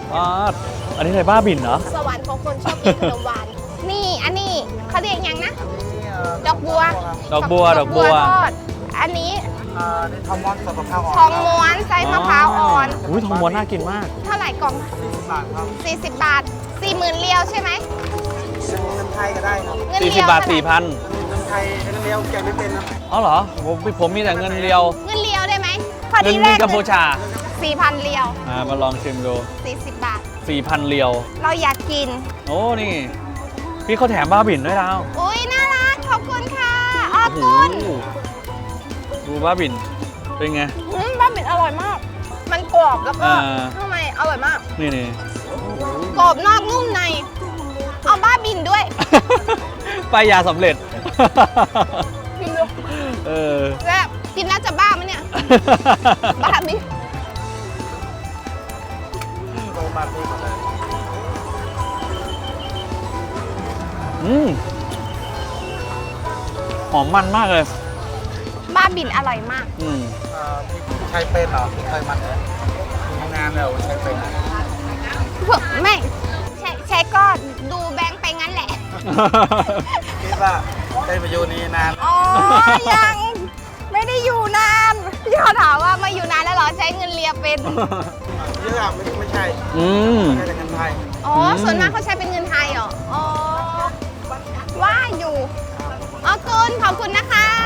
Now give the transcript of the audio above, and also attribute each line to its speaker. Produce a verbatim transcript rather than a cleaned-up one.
Speaker 1: อ๋ออันนี้อะไรบ้าบินเหรอ
Speaker 2: สวรรค์ของคนชอบกินขนมหวานนี่อันนี้เขาเรียกยังนะดอกบัว
Speaker 1: ดอกบัวดอกบัว
Speaker 2: ทอดอันนี้
Speaker 3: อ่านี่ทองม้วนกับมะพร้าวอ่อน
Speaker 2: ทองม้วนไส้มะพร้าวอ่อน
Speaker 1: อุ้ยทองม้วนน่ากินมาก
Speaker 2: เท่าไหร่กล่อง
Speaker 3: สี่สิบบาทครับ
Speaker 2: สี่สิบบาทสี่หมื่นเรียวใช่ไหม
Speaker 3: เงินไทยก็ได้ครับ
Speaker 2: เงิน
Speaker 1: สี่
Speaker 2: เรี
Speaker 1: สิบ
Speaker 2: ยว
Speaker 1: บาท
Speaker 2: เท่ไหร่
Speaker 1: สี่พัน
Speaker 3: เงินไทยเงินเดียวแกไม่เป็นนะ
Speaker 1: อ๋อเหรอผมผมมีแต่เงินเรียว
Speaker 2: เงินเรียวได้ไหมพอ
Speaker 1: เงิ
Speaker 2: ดี
Speaker 1: น
Speaker 2: แร
Speaker 1: เงิน
Speaker 2: ก
Speaker 1: กัมพูชา
Speaker 2: สี่พันเรียว
Speaker 1: อ่ามาลองชิมดู
Speaker 2: สี่สิบบาท
Speaker 1: สี่พันเรียว
Speaker 2: เราอยากกิน
Speaker 1: โอ้นี่พี่เขาแถมบ้าบินด้วยดาว
Speaker 2: อุ้ยน่ารักขอบคุณค่ะขอบ
Speaker 1: โอ้
Speaker 2: คุณ
Speaker 1: โหดูบ้าบินเป็นไง
Speaker 2: อืมบ้าบินอร่อยมาก มันกรอบแล้วก็
Speaker 1: อ่า
Speaker 2: ข้างในอร่อยมาก
Speaker 1: นี่นี่
Speaker 2: กรอบนอกนุ่มใน เอาบ้าบินด้วย
Speaker 1: ไปยาสำเร็จ
Speaker 2: กินดู
Speaker 1: เออ
Speaker 2: แล้วกินน่าจะบ้าไหมเนี่ย บ้าบิน
Speaker 3: โรงพยาบาลนี่หมดเลย
Speaker 1: อืมหอมมันมากเลย
Speaker 2: บ้าบินอร่อยมาก
Speaker 1: อืม
Speaker 3: อ่าพี่ใช้เป็นเหรอพี่เคยมันเลยทำงานแล้วใช้เป็นนะ
Speaker 2: ไม่ใช่ใช่ก็ดูแบงค์ไปงั้นแหละ
Speaker 3: คิดว่าได้มาอยู่นี่นาน
Speaker 2: อ๋อ ยังไม่ได้อยู่นานพี่เขาถามว่ามาอยู่นานแล้วเหรอใช้เงินเรียเป็น
Speaker 3: เยอะอะไม่ไม่ใช่
Speaker 1: อืม
Speaker 3: ใช้แต่เงินไทย
Speaker 2: อ๋อ
Speaker 1: อืม
Speaker 2: ส่วนมากเขาใช้เป็นเงินไทยเหรอ อ๋อ ว่าอยู่อ๋อคุณขอบคุณนะคะ